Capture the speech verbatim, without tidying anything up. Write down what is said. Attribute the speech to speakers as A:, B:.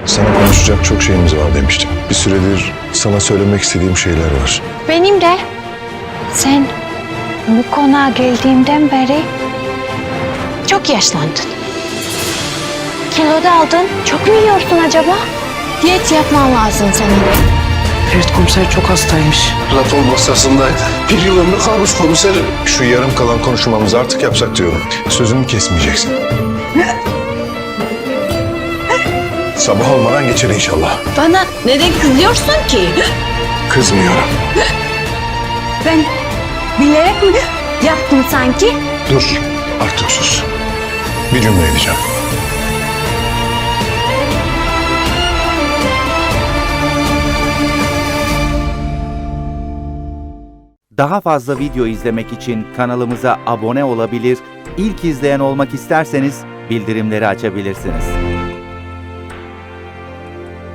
A: Sana konuşacak çok şeyimiz var demiştim. Bir süredir sana söylemek istediğim şeyler var.
B: Benim de. Sen bu konağa geldiğimden beri çok yaşlandın. Kilo da aldın. Çok mu yiyorsun acaba? Diyet yapman lazım senin.
C: Ferit komiser çok hastaymış.
A: Platon masasındaydı. Bir yıl ömrü kalmış komiserim. Şu yarım kalan konuşmamızı artık yapsak diyorum. Sözümü kesmeyeceksin. Sabah olmadan geçer inşallah.
B: Bana neden kızıyorsun ki?
A: Kızmıyorum.
B: Ben bilerek mi yaptım sanki?
A: Dur, artık sus. Bir cümle edeceğim.
D: Daha fazla video izlemek için kanalımıza abone olabilir, ilk izleyen olmak isterseniz bildirimleri açabilirsiniz.